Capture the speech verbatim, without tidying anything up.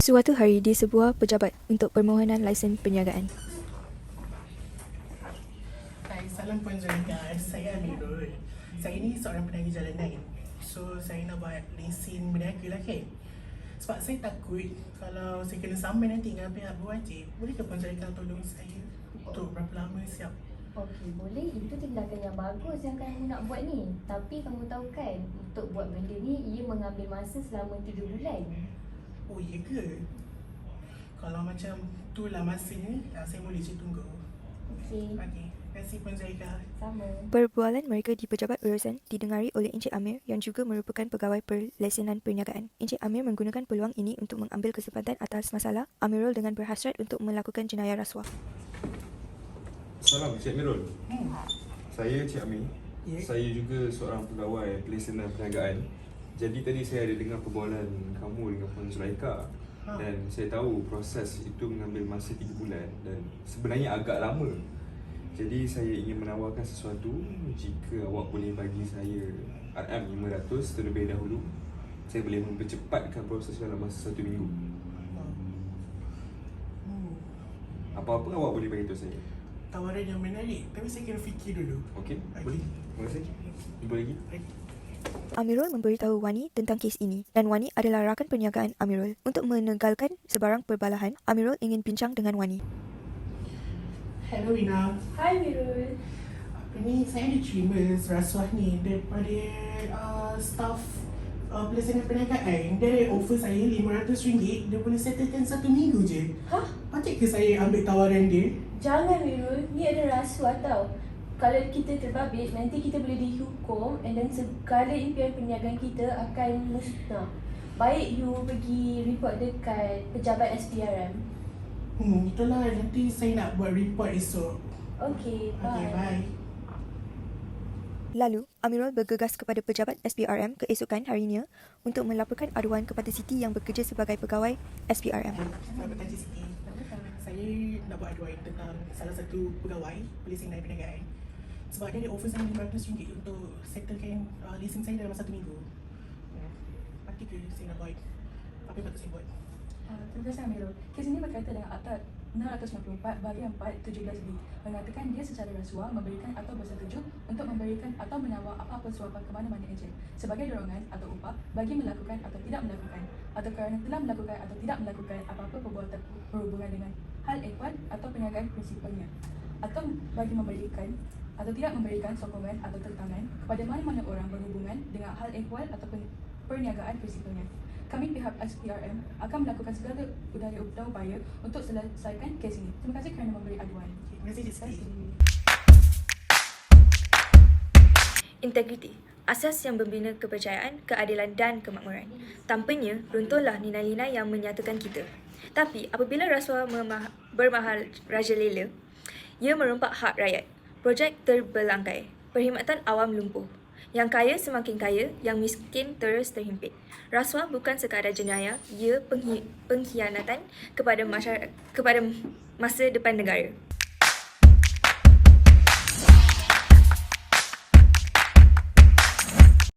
Suatu hari di sebuah pejabat untuk permohonan lesen perniagaan. Hai, salam Puan Zulika. Saya Amirul. Saya ni seorang peniaga jalanan. So, saya nak buat lesen berniaga lah kan. Sebab saya takut kalau saya kena saman nanti dengan pihak berwajib. Bolehkah Puan Zulika tolong saya untuk berapa lama siap? Okey, boleh. Itu tindakan yang bagus yang kamu nak buat ni. Tapi kamu tahu kan, untuk buat benda ni, ia mengambil masa selama tiga bulan. Oh, iya ke? Kalau macam tu lah masanya, saya boleh je tunggu. Okey, Okey, terima kasih Puan Zulika. sama. Perbualan mereka di pejabat urusan didengari oleh Encik Amir yang juga merupakan pegawai perlesenan perniagaan. Encik Amir menggunakan peluang ini untuk mengambil kesempatan atas masalah Amirul dengan berhasrat untuk melakukan jenayah rasuah. Salam Cik Amirul. Hmm. Saya Cik Amir. Ya. Saya juga seorang pegawai pelesenan perniagaan. Jadi tadi saya ada dengar perbualan kamu dengan Puan Zulaika. Ha. Dan saya tahu proses itu mengambil masa tiga bulan dan sebenarnya agak lama. Jadi saya ingin menawarkan sesuatu jika awak boleh bagi saya R M lima ratus terlebih dahulu. Saya boleh mempercepatkan proses dalam masa satu minggu. Hmm. Apa-apa awak boleh bagi tahu saya. Tawaran yang menarik, tapi saya kena fikir dulu. Okey? Okey. Boleh? Terima kasih. Jumpa lagi. Okey. Amirul memberitahu Wani tentang kes ini dan Wani adalah rakan perniagaan Amirul. Untuk menegalkan sebarang perbalahan, Amirul ingin bincang dengan Wani. Hello Rina. Hai Mirul. Apa ni, saya ada terima rasuah ni daripada uh, staff uh, pelesenan perniagaan. Dia offer saya lima ratus ringgit, dia boleh settlekan satu minggu je. Hah? Patut ke saya ambil tawaran dia? Jangan Mirul, ni ada rasuah tau. Kalau kita terbabit, nanti kita boleh dihukum and then segala impian perniagaan kita akan musnah. Baik you pergi report dekat pejabat S P R M. Hmm, itulah, nanti saya nak buat report esok. Okey, bye. Okay, bye. Lalu, Amirul bergegas kepada pejabat S P R M keesokan harinya untuk melaporkan aduan kepada Siti yang bekerja sebagai pegawai S P R M. Selamat pagi Siti. Saya nak buat aduan tentang salah satu pegawai pelesenan perniagaan. Sebab dia ada offer saya lima ratus ringgit untuk settlekan uh, lesen saya dalam satu minggu. Hmm. Patut ke saya nak buat? Apa yang patut saya buat? Uh, terima kasih Amirul. Kes ini berkaitan dengan Akta enam ratus sembilan puluh empat bahagian empat tujuh belas B mengatakan dia secara rasuah memberikan atau bersetuju untuk memberikan atau menawar apa-apa suapan ke mana-mana ejen sebagai dorongan atau upah bagi melakukan atau tidak melakukan atau kerana telah melakukan atau tidak melakukan apa-apa perbuatan berhubungan dengan hal ehwal atau perniagaan prinsipalnya atau bagi memberikan atau tidak memberikan sokongan atau tertangan kepada mana-mana orang berhubungan dengan hal ehwal atau perniagaan prinsipalnya. Kami pihak S P R M akan melakukan segala udaya upaya untuk selesaikan kes ini. Terima kasih kerana memberi aduan. Terima kasih Cik Siti. Integriti, asas yang membina kepercayaan, keadilan dan kemakmuran. Tanpanya, runtuhlah nilai-nilai yang menyatukan kita. Tapi apabila rasuah memah- bermahal rajalela, ia merompak hak rakyat. Projek terbelangkai, perkhidmatan awam lumpuh. Yang kaya semakin kaya, yang miskin terus terhimpit. Rasuah bukan sekadar jenayah, ia penghi- pengkhianatan kepada masyarakat, kepada masa depan negara.